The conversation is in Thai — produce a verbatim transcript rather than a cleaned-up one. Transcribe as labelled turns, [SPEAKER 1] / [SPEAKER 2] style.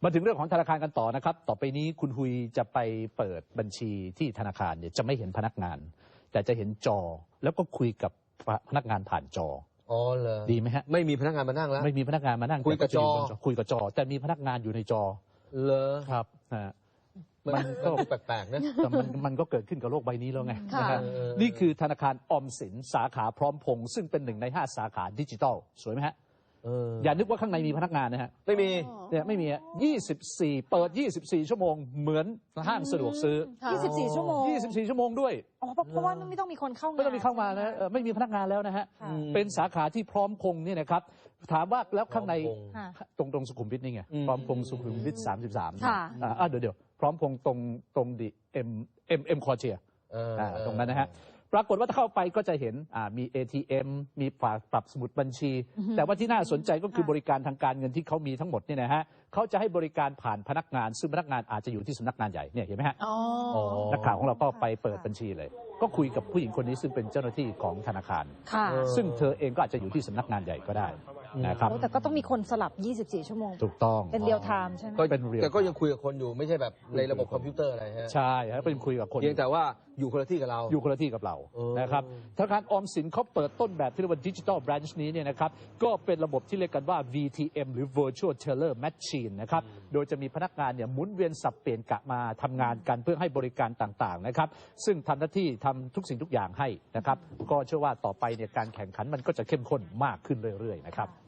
[SPEAKER 1] มาถึงเรื่องของธนาคารกันต่อนะครับต่อไปนี้คุณฮุยจะไปเปิดบัญชีที่ธนาคารเนี่ยจะไม่เห็นพนักงานแต่จะเห็นจอแล้วก็คุยกับพนักงานผ่านจอ
[SPEAKER 2] อ๋อเหรอ
[SPEAKER 1] ดีไหมฮะ
[SPEAKER 2] ไม่มีพนักงานมานั่งแล้ว
[SPEAKER 1] ไม่มีพนักงานมานั่ง
[SPEAKER 2] คุยกับจอ
[SPEAKER 1] คุยกับจอแต่มีพนักงานอยู่ในจอ
[SPEAKER 2] เหรอ
[SPEAKER 1] ครับ
[SPEAKER 2] มันก็แปลกๆนะ
[SPEAKER 1] แต่มันมันก็เกิดขึ้นกับโลกใบนี้แล้วไงนะครับนี่คือธนาคารออมสินสาขาพร้อมพงษ์ซึ่งเป็นหนึ่งในห้าสาขาดิจิทัลสวยไหมฮะอย่านึกว่าข้างในมีพนักงานนะฮะ
[SPEAKER 2] ไม่มี
[SPEAKER 1] เนี่ยไม่มียี่สิบสี่เปิดยี่สิบสี่ชั่วโมงเหมือนห้างสะดวกซื้อ
[SPEAKER 3] ยี่สิบสี่ชั่วโมง
[SPEAKER 1] ยี่สิบสี่ชั่วโมงด้วย
[SPEAKER 3] อ๋อเพราะว่าไม่ต้องมีคนเข้ามา
[SPEAKER 1] ไม่ต้องมีเข้ามานะไม่มีพนักงานแล้วนะฮะเป็นสาขาที่พร้อมพงษ์เนี่ยนะครับถามว่าแล้วข้างในตรงตรงสุขุมวิทนี่ไงพร้อมพงษ์สุขุมวิทสามสิบสามอ่าเดี๋ยวเดี๋ยวพร้อมพงษ์ตรงตรงดิเอ็มเอ็มเอ็มคอเชียตรงนั้นนะฮะปรากฏว่าถ้าเข้าไปก็จะเห็นมี เอ ที เอ็ม มีฝากปรับสมุดบัญชี แต่ว่าที่น่าสนใจก็คือบริการทางการเงินที่เขามีทั้งหมดเนี่ยนะฮะเขาจะให้บริการผ่านพนักงานซึ่งพนักงานอาจจะอยู่ที่สำนักงานใหญ่เนี่ยเห็นไหมฮะนักข่าวของเราก็ไปเปิดบัญชีเลยก็คุยกับผู้หญิงคนนี้ซึ่งเป็นเจ้าหน้าที่ของธนาคารซึ่งเธอเองก็อาจจะอยู่ที่สำนักงานใหญ่ก็ได้นะครับ
[SPEAKER 3] แต่ก็ต้องมีคนสลับยี่สิบสี่ชั่วโมง
[SPEAKER 1] ถูกต้อง
[SPEAKER 3] เป็นเรียลไทม์ใช่ไหม
[SPEAKER 1] ก็เป็นเรียล
[SPEAKER 2] แต่ก็ยังคุยกับคนอยู่ไม่ใช่แบบในระบบคอมพิวเตอร์อะไรฮะ
[SPEAKER 1] ใช่ครับเป็นคุยกับคน
[SPEAKER 2] เพียงแต่ว่าอยู่คนละที่กับเรา
[SPEAKER 1] อยู่คนละที่กับเรานะครับธนาคารออมสินเขาเปิดต้นแบบที่เรียกว่าดิจิทัลแบรนช์นี้เนี่ยนะครับก็เป็นระบบที่เรียกกันว่า วี ที เอ็ม หรือ Virtual Teller Machine นะครับโดยจะมีพนักงานเนี่ยหมุนเวียนสับเปลี่ยนกะมาทำงานกันเพื่อให้บริการต่างๆนะครับซึ่งทำหน้าที่ทำทุกสิ่งทุกอย่างให้นะครับก็เชื่อว่าต่อไปเนี่ยการแข่งขันมันก็จะเข้มข้นมากขึ้นเรื่อยๆนะครับ